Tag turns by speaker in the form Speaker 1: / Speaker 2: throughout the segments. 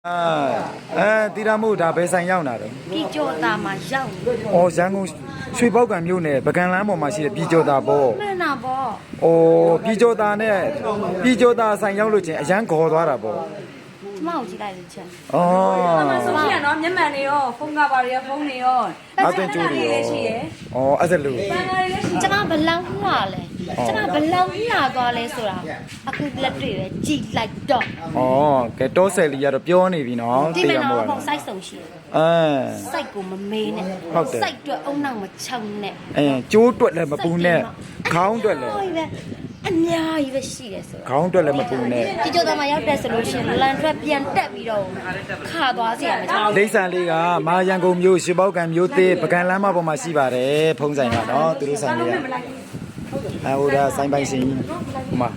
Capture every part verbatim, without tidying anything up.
Speaker 1: အာအဲတီရာမို့ဒါဘယ်ဆိုင်ရောက်လာတော့
Speaker 2: ပြည်ကျော်သားမှာရောက်နေ
Speaker 1: ။အော်ရန်ကုန်ရွှေပေါက်ကံမြို့နယ်ပကံလမ်းပေါ်မှာရှိတဲ့ပြည်ကျော်သားပေါ့
Speaker 2: မှန်တာပေါ့
Speaker 1: ။အော်ပြည်ကျော်သားနဲ့ပြည်ကျော်သားဆိုင်ရောက်လို့ချင်းအရန်ခေါ်သွားတာပေါ့
Speaker 2: ကျမကိုကြည့်လိုက်လို့ချက်
Speaker 1: ။အော်
Speaker 3: ဆိုရှိရနော်မျက်မှန်တွေရောဖုန်းကပါတွေရောဖုန်းတွေရော
Speaker 1: အသွင်ကျိုးတွေရော
Speaker 3: ရှိရယ်
Speaker 1: ။အော်အဲ့ဒါလို့
Speaker 3: ပန်းကားတွေလည်းရှိ
Speaker 2: ကျမဘလောက်လှလဲကျမဘလောက်လှသွားလဲဆိုတာအခုလက်တွေ့ပဲကြည့်လိုက်တော့
Speaker 1: ။အော်ကဲတောဆယ်လီကတော့ပြောနေပြီနော်
Speaker 2: ဒီ
Speaker 1: တီ
Speaker 2: မဲ့
Speaker 1: ရာမို့
Speaker 2: တော့
Speaker 1: က
Speaker 2: ပုံစိုက်စုံရှိတယ်
Speaker 1: အဲ
Speaker 2: စိုက်ကိုမမေးနဲ့
Speaker 1: ဟုတ်တယ်
Speaker 2: စိုက်တွက်အုံနောက်မချောင်းနဲ့
Speaker 1: အဲကျိုးတွက်လည်းမပူနဲ့ခေါင်းတွက်လည်း
Speaker 2: အများကြီးပဲရှိတယ်ဆိုတော့
Speaker 1: ခေါင်းတွက်လည်းမပူနဲ့
Speaker 2: ပြည်ကျော်သားမှာရောက်တဲ့ဆိုလို့ရှိရင်လန်ထွက်ပြန်တက်ပြီးတော့ခါသွားစီရမယ်ကျမ
Speaker 1: ဒိဋ္ဌာန်လေးကမာရန်ကုန်မြို့ရွှေပေါက်ကံမြို့သေးပကံလမ်းမပေါ်မှာရှိပါတယ်ဖုံးဆိုင်ကနော်သူတို့ဆိုင်လေးကအဲဟိုဒါဆိုင်ပိုင်ရှင်ဟိုမှာ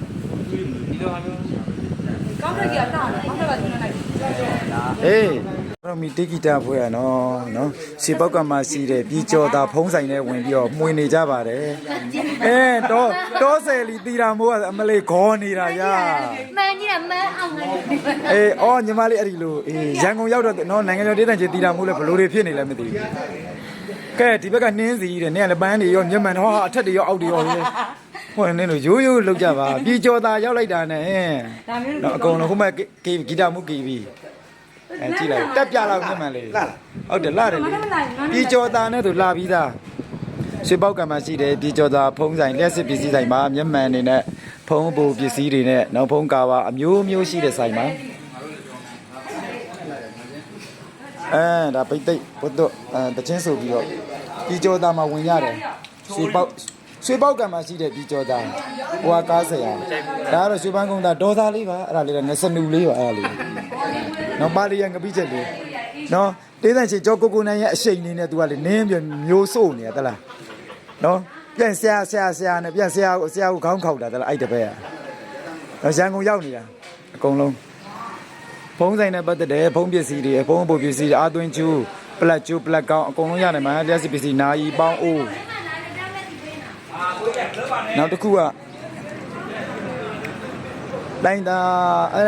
Speaker 3: ကောင်းတဲ့ကြီးကတောင်းတယ်ကောင်းတဲ့ကကျွန်းလိုက်
Speaker 1: ဟေးတော့မီတိဂီတာဖွဲ့ရနော်နော်ရွှေပေါက်ကံမှာရှိတဲ့ပြီးကျော်တာဖုံးဆိုင်နဲ့ဝင်ပြီးတော့မှွေနေကြပါတယ်အဲတော့တောဆယ်လီတီရာမိုးကအမလေးခေါ်နေတာရာ
Speaker 2: မှန်ကြီးတာမှန်အောင်လည်း
Speaker 1: အေးအော်ညီမလေးအဲ့ဒီလိုအေးရန်ကုန်ရောက်တော့နော်နိုင်ငံကျော်ဒေသချင်းတီရာမိုးလဲဘလို့တွေဖြစ်နေလဲမသိဘူးကဲဒီဘက်ကနှင်းစီတဲ့နင်ကလည်းပန်းတွေရောမျက်မှန်တော့အထက်တွေရောအောက်တွေရောဟဲ့ဟိုနင်းတို့ရိုးရိုးလောက်ကြပါပြီးကျော်တာရောက်လိုက်တာနဲ့နော်အကုန်လုံးဟိုမဲ့ဂီဂီတာမှုဂီပြီးအဲကြည့်လိုက်တက်ပြလောက်မျက်မှန်လေးဟုတ်တယ်လာတယ်လေပြီးကျော်တာနဲ့သူလာပြီးသားရွှေပေါက်ကံမှာရှိတယ်ပြီးကျော်တာဖုံးဆိုင်လက်စစ်ပစ္စည်းဆိုင်မှာမျက်မှန်တွေနဲ့ဖုံးပူပစ္စည်းတွေနဲ့နောက်ဖုံးကာပါအမျိုးမျိုးရှိတဲ့ဆိုင်မှာအဲဒါပိတ်သိပ်ဘုတ်တော့အဲတချင်းဆိုပြီးတော့ပြီးကျော်တာမှာဝင်ရတယ်ရွှေပေါက်ရွှေပေါက်ကံမှာရှိတဲ့ပြီးကျော်တာဟိုကကားဆရာဒါကတော့ရွှေပန်းကုန်းသားဒေါ်သားလေးပါအဲ့ဒါလေးကငစနူလေးပါအဲ့ဒါလေးနော်ပါလီရငပိချက်လေးနော်တေးတန်ချေကြောကိုကိုနိုင်ရဲ့အရှိန်လေးနဲ့သူကလေနင်းပြမျိုးစို့နေရတလားနော်ပြန်ဆရာဆရာဆရာနဲ့ပြန်ဆရာကိုဆရာကိုခေါင်းခောက်တာတလားအဲ့တပည့်อ่ะနော်ရန်ကုန်ရောက်နေတာအကုန်လုံးဖုံးဆိုင်နဲ့ပတ်သက်တယ်ဖုံးပစ္စည်းတွေဖုံးပုတ်ပစ္စည်းတွေအာသွင်းကျူးပလက်ကျူးပလက်ကောင်းအကုန်လုံးရတယ်မှာလျှက်စစ်ပစ္စည်းနာယီပေါင်းအိုးနောက်တစ်ခုကလိုင်းတာအဲ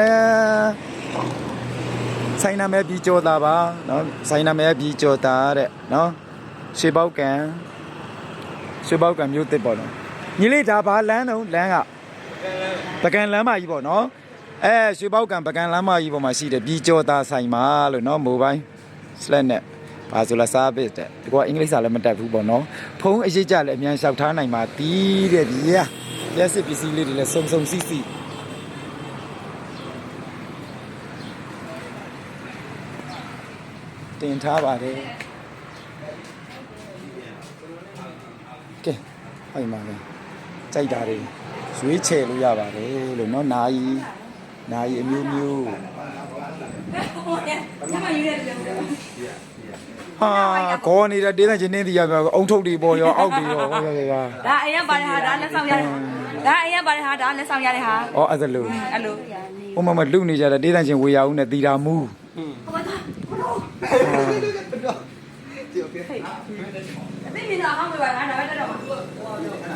Speaker 1: ဆိုင်နာမဲပြီးကြောတာပါနော်ဆိုင်နာမဲပြီးကြောတာတဲ့နော်ရွှေပေါက်ကံရွှေပေါက်ကံမြို့တစ်ပေါ့နော်ညီလေးဒါဘာလမ်းတော့လမ်းကပကံလမ်းမကြီးပေါ့နော်အဲရွှေပေါက်ကံပကံလမ်းမကြီးပေါ်မှာရှိတယ်ပြီးကြောတာဆိုင်မှာလို့နော်မိုဘိုင်းစလက်နဲ့ဘာဆိုလာစားပေးတဲ့ဒီကအင်္ဂလိပ်စာလည်းမတတ်ဘူးပေါ့နော်ဖုန်းအရေးကြလည်းအမြန်လျှောက်ထားနိုင်ပါတီးတဲ့ဒီရလက်စစ်ပစ္စည်းလေးတွေလည်းစုံစုံစီစီတင်ထားပါတယ်ကဲဟိုမှာလေကြိုက်တာတွေရွေးချယ်လို့ရပါတယ်လို့နော်နာယီနာယီအမျိုးမျိုးဟာခေါ်နေတဲ့တေးတဲ့ချင်းင်းတီးရပြောအုံထုတ်တွေပေါ်ရောအောက်တွေရောဟောရရ
Speaker 3: ဒါအရင်ပါတယ်ဟာဒါလက်ဆောင်ရတယ်ဒါအရင်ပါတယ်ဟာဒါလက်ဆောင်ရတယ်ဟာ
Speaker 1: ဩအဲ့ဒါလို့
Speaker 3: အဲ့လို
Speaker 1: ဟိုမှာမလူနေကြတဲ့တေးတဲ့ချင်းဝေရအောင်နဲ့တီတာမူး
Speaker 3: သိမြင်တော့ဟောင်းပြပါလားဒါပဲတက်တော့မှာ